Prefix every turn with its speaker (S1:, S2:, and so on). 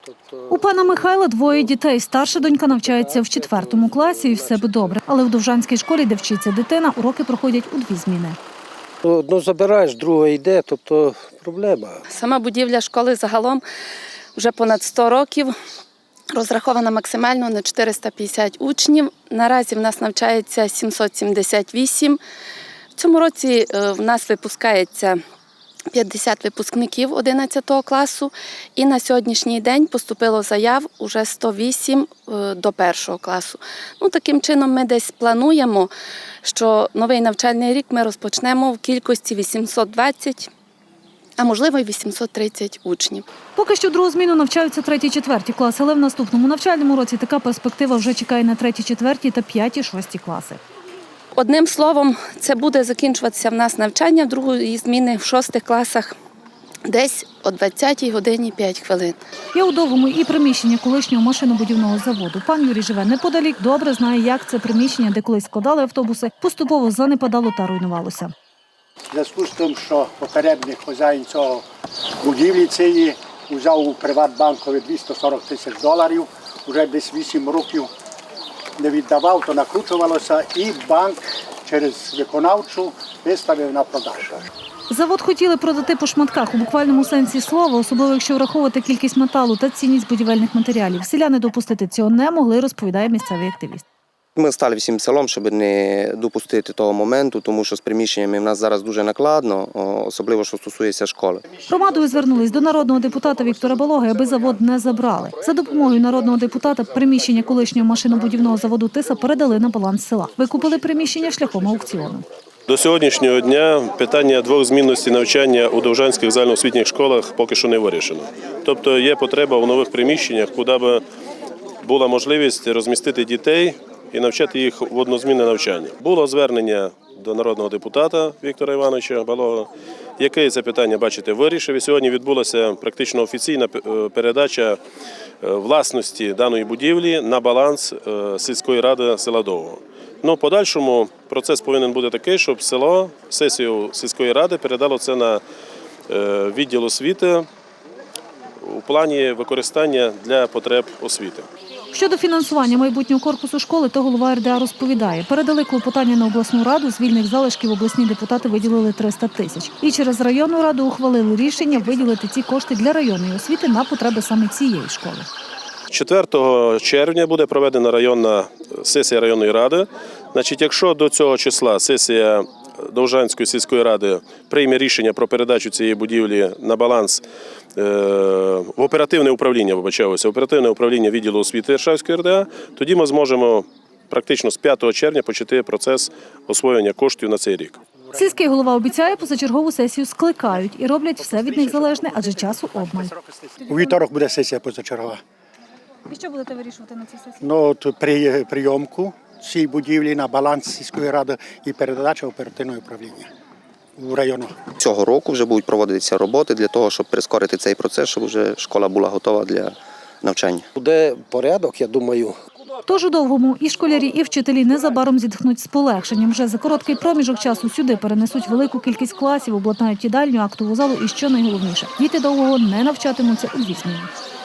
S1: У пана Михайла двоє дітей. Старша донька навчається в 4 класі і все би добре. Але в Довжанській школі, де вчиться дитина, уроки проходять у 2 зміни.
S2: Одну забираєш, друга йде, тобто проблема.
S3: Сама будівля школи загалом вже понад 100 років. Розрахована максимально на 450 учнів. Наразі в нас навчається 778. В цьому році в нас випускається 50 випускників 11 класу. І на сьогоднішній день поступило заяв уже 108 до 1 класу. Таким чином ми десь плануємо, що новий навчальний рік ми розпочнемо в кількості 820, а можливо й 830 учнів.
S1: Поки що другу зміну навчаються 3-4 класи, але в наступному навчальному році така перспектива вже чекає на 3-4 та 5-6 класи.
S3: Одним словом, це буде закінчуватися в нас навчання другої зміни в 6 класах десь о 20-й годині 5 хвилин.
S1: Є у Довгому і приміщення колишнього машинобудівного заводу. Пан Юрій живе неподалік, добре знає, як це приміщення, де колись складали автобуси, поступово занепадало та руйнувалося.
S4: В зв'язку з тим, що попередній хазяїн цього будівлі цієї взяв у Приватбанкові $240 тисяч, вже десь 8 років не віддавав, то накручувалося і банк через виконавчу виставив на продаж.
S1: Завод хотіли продати по шматках у буквальному сенсі слова, особливо якщо враховувати кількість металу та цінність будівельних матеріалів. Селяни допустити цього не могли, розповідає місцевий активіст.
S5: Ми стали всім селом, щоб не допустити того моменту, тому що з приміщеннями в нас зараз дуже накладно, особливо, що стосується школи.
S1: Громадою звернулись до народного депутата Віктора Балоги, аби завод не забрали. За допомогою народного депутата приміщення колишнього машинобудівного заводу «Тиса» передали на баланс села. Викупили приміщення шляхом аукціону.
S6: До сьогоднішнього дня питання двохзмінності навчання у довжанських загальноосвітніх школах поки що не вирішено. Тобто є потреба в нових приміщеннях, куди б була можливість розмістити дітей і навчати їх в однозмінне навчання. Було звернення до народного депутата Віктора Івановича Балога, який це питання, бачите, вирішив. І сьогодні відбулася практично офіційна передача власності даної будівлі на баланс сільської ради села Довгого. В подальшому процес повинен бути такий, щоб село, сесію сільської ради передало це на відділ освіти у плані використання для потреб освіти.
S1: Щодо фінансування майбутнього корпусу школи, то голова РДА розповідає, передали клопотання на обласну раду, з вільних залишків обласні депутати виділили 300 тисяч. І через районну раду ухвалили рішення виділити ці кошти для районної освіти на потреби саме цієї школи.
S6: 4 червня буде проведена районна сесія районної ради. Якщо до цього числа сесія Довжанської сільської ради прийме рішення про передачу цієї будівлі на баланс в оперативне управління відділу освіти Іршавської РДА, тоді ми зможемо практично з 5 червня почати процес освоєння коштів на цей рік.
S1: Сільський голова обіцяє, позачергову сесію скликають і роблять все від них залежне, адже часу обмаль.
S4: У вівторок буде сесія позачергова.
S1: І що будете вирішувати на цій сесії?
S4: Прийомку цієї будівлі на баланс сільської ради і передача оперативного управління у району.
S5: Цього року вже будуть проводитися роботи для того, щоб прискорити цей процес, щоб вже школа була готова для навчання.
S2: Буде порядок, я думаю.
S1: Тож у Довгому і школярі, і вчителі незабаром зітхнуть з полегшенням. Вже за короткий проміжок часу сюди перенесуть велику кількість класів, обладнають їдальню, актову залу і, що найголовніше, діти Довгого не навчатимуться у 2 зміни.